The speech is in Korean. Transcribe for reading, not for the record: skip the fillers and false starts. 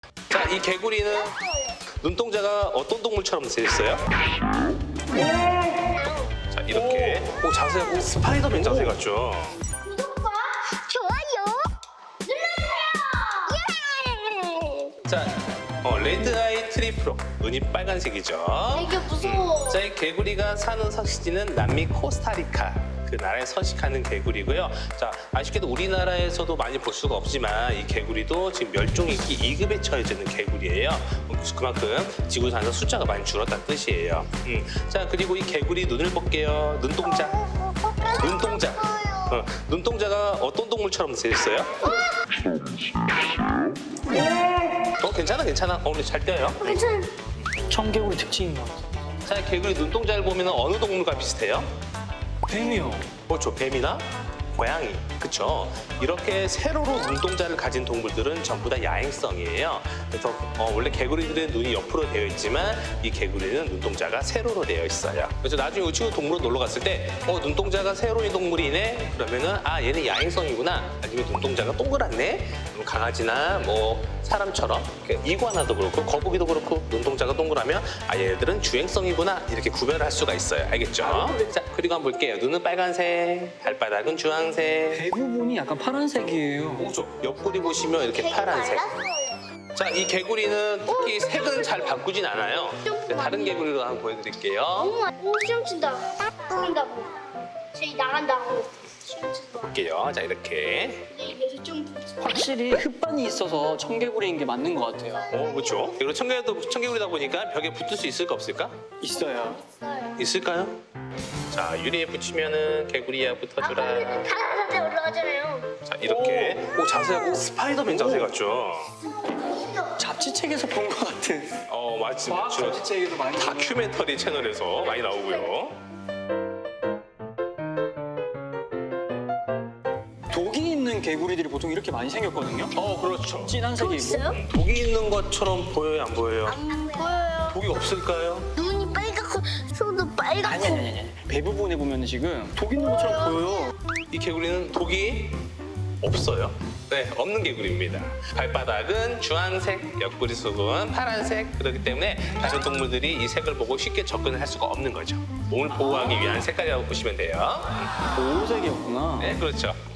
자, 이 개구리는 눈동자가 어떤 동물처럼 생겼어요? 자, 이렇게. 오, 자세가 스파이더맨 자세 같죠? 구독과 좋아요 눌러주세요. 예! 자, 레드 아이 트리프로. 눈이 빨간색이죠. 되게 무서워. 자, 이 개구리가 사는 서식지는 남미 코스타리카. 그 나라에 서식하는 개구리고요. 자, 아쉽게도 우리나라에서도 많이 볼 수가 없지만 이 개구리도 지금 멸종위기 2급에 처해져 있는 개구리예요. 그만큼 지구상에서 숫자가 많이 줄었다는 뜻이에요. 자, 그리고 이 개구리 눈을 볼게요. 눈동자. 눈동자. 눈동자가 어떤 동물처럼 생겼어요? 괜찮아, 괜찮아. 오늘 잘 떼요. 괜찮아. 청개구리 특징인 것 같아요. 자, 개구리 눈동자를 보면 어느 동물과 비슷해요? 뱀이요. 그렇죠. 뱀이나 고양이. 그렇죠. 이렇게 세로로 눈동자를 가진 동물들은 전부 다 야행성이에요. 그래서 원래 개구리들의 눈이 옆으로 되어 있지만 이 개구리는 눈동자가 세로로 되어 있어요. 그래서 나중에 이 친구 동물원 놀러 갔을 때 눈동자가 세로인 동물이네? 그러면은 얘는 야행성이구나. 아니면 눈동자가 동그랗네? 그럼 강아지나 뭐 사람처럼 이구아나도 그렇고 거북이도 그렇고 눈동자가 동그라면 얘네들은 주행성이구나. 이렇게 구별을 할 수가 있어요. 알겠죠? 자, 그리고 한번 볼게요. 눈은 빨간색, 발바닥은 주황색. 대부분이 약간 파란색이에요. 그렇죠. 옆구리 보시면 이렇게 파란색. 자, 이 개구리는 특히 색은 잘 바꾸진 않아요. 다른 개구리로 한번 보여드릴게요. 오, 시험 친다. 나간다고. 저희 나간다고. 시험 친다. 볼게요. 자, 이렇게. 근데 이게 좀 확실히 흙반이 있어서 청개구리인 게 맞는 것 같아요. 그렇죠. 그리고 청개구리다 보니까 벽에 붙을 수 있을까 없을까? 있어요. 있어요. 있을까요? 자, 유리에 붙이면은 개구리야 붙어주라. 다른데 올라가잖아요. 자, 이렇게. 오, 자세가 스파이더맨 자세 같죠? 잡지책에서 본 것 같은. 맞지, 과학 맞죠. 잡지책에도 많이. 다큐멘터리 채널에서 많이 나오고요. 독이 있는 개구리들이 보통 이렇게 많이 생겼거든요. 그렇죠. 진한 색이 있고. 있어요? 독이 있는 것처럼 보여요, 안 보여요? 안 보여요. 독이 없을까요? 눈이 빨갛고 손도 빨갛고. 아니. 대부분에 보면 지금 독 있는 것처럼 보여요. 이 개구리는 독이 없어요. 네, 없는 개구리입니다. 발바닥은 주황색, 옆구리 속은 파란색. 그렇기 때문에 다른 동물들이 이 색을 보고 쉽게 접근을 할 수가 없는 거죠. 몸을 보호하기 위한 색깔이라고 보시면 돼요. 보호색이었구나. 네, 그렇죠.